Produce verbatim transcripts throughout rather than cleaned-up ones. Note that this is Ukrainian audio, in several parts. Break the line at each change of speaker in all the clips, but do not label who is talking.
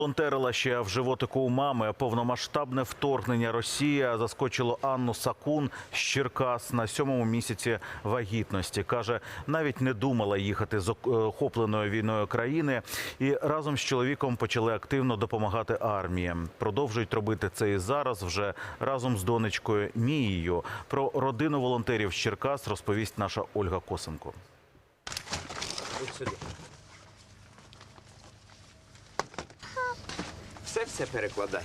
Волонтерила ще в животику у мами. Повномасштабне вторгнення Росії заскочило Анну Сакун з Черкас на сьомому місяці вагітності. Каже, навіть не думала їхати з охопленої війною країни і разом з чоловіком почали активно допомагати армії. Продовжують робити це і зараз вже разом з донечкою Мією. Про родину волонтерів з Черкас розповість наша Ольга Косенко.
Ось сюди. Все-все перекладай.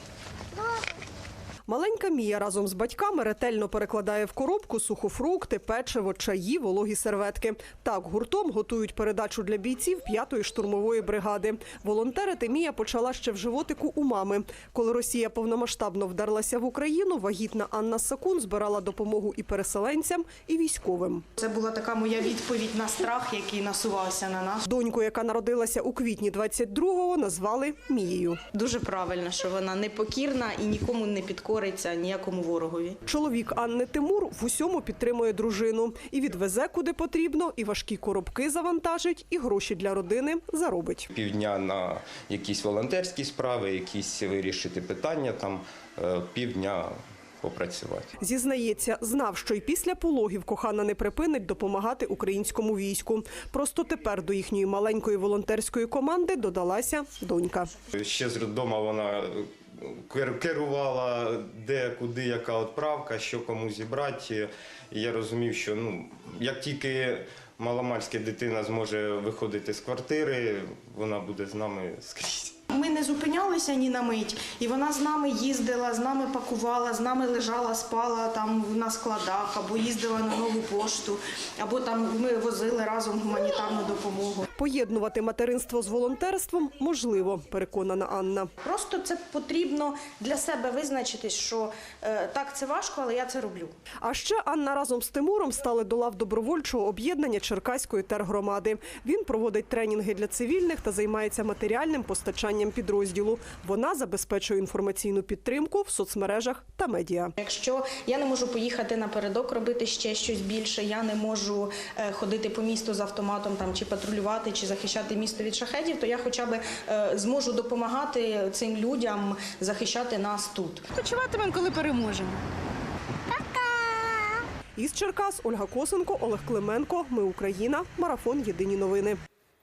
Маленька Мія разом з батьками ретельно перекладає в коробку сухофрукти, печиво, чаї, вологі серветки. Так гуртом готують передачу для бійців п'ятої штурмової бригади. Волонтерити Мія почала ще в животику у мами. Коли Росія повномасштабно вдерлася в Україну, вагітна Анна Сакун збирала допомогу і переселенцям, і військовим.
Це була така моя відповідь на страх, який насувався на нас.
Доньку, яка народилася у квітні двадцять другого, назвали Мією.
Дуже правильно, що вона непокірна і нікому не підкориться, ніякому ворогові.
Чоловік Анни Тимур в усьому підтримує дружину. І відвезе куди потрібно, і важкі коробки завантажить, і гроші для родини заробить.
Півдня на якісь волонтерські справи, якісь вирішити питання, там півдня попрацювати.
Зізнається, знав, що й після пологів кохана не припинить допомагати українському війську. Просто тепер до їхньої маленької волонтерської команди додалася донька.
Ще з роддому вона керувала, де, куди, яка відправка, що кому зібрати. І я розумів, що ну, як тільки маломальська дитина зможе виходити з квартири, вона буде з нами скрізь.
Ми не зупинялися ні на мить, і вона з нами їздила, з нами пакувала, з нами лежала, спала там на складах, або їздила на нову пошту, або там ми возили разом гуманітарну допомогу.
Поєднувати материнство з волонтерством можливо, переконана Анна.
Просто це потрібно для себе визначити, що е, так, це важко, але я це роблю.
А ще Анна разом з Тимуром стали до лав добровольчого об'єднання Черкаської тергромади. Він проводить тренінги для цивільних та займається матеріальним постачанням підрозділу. Вона забезпечує інформаційну підтримку в соцмережах та медіа.
Якщо я не можу поїхати напередок робити ще щось більше, я не можу е, ходити по місту з автоматом там, чи патрулювати, чи захищати місто від шахедів, то я хоча б е, зможу допомагати цим людям захищати нас тут.
Почуватимемо, коли переможемо.
Із Черкас Ольга Косенко, Олег Клименко. Ми Україна. Марафон. Єдині новини.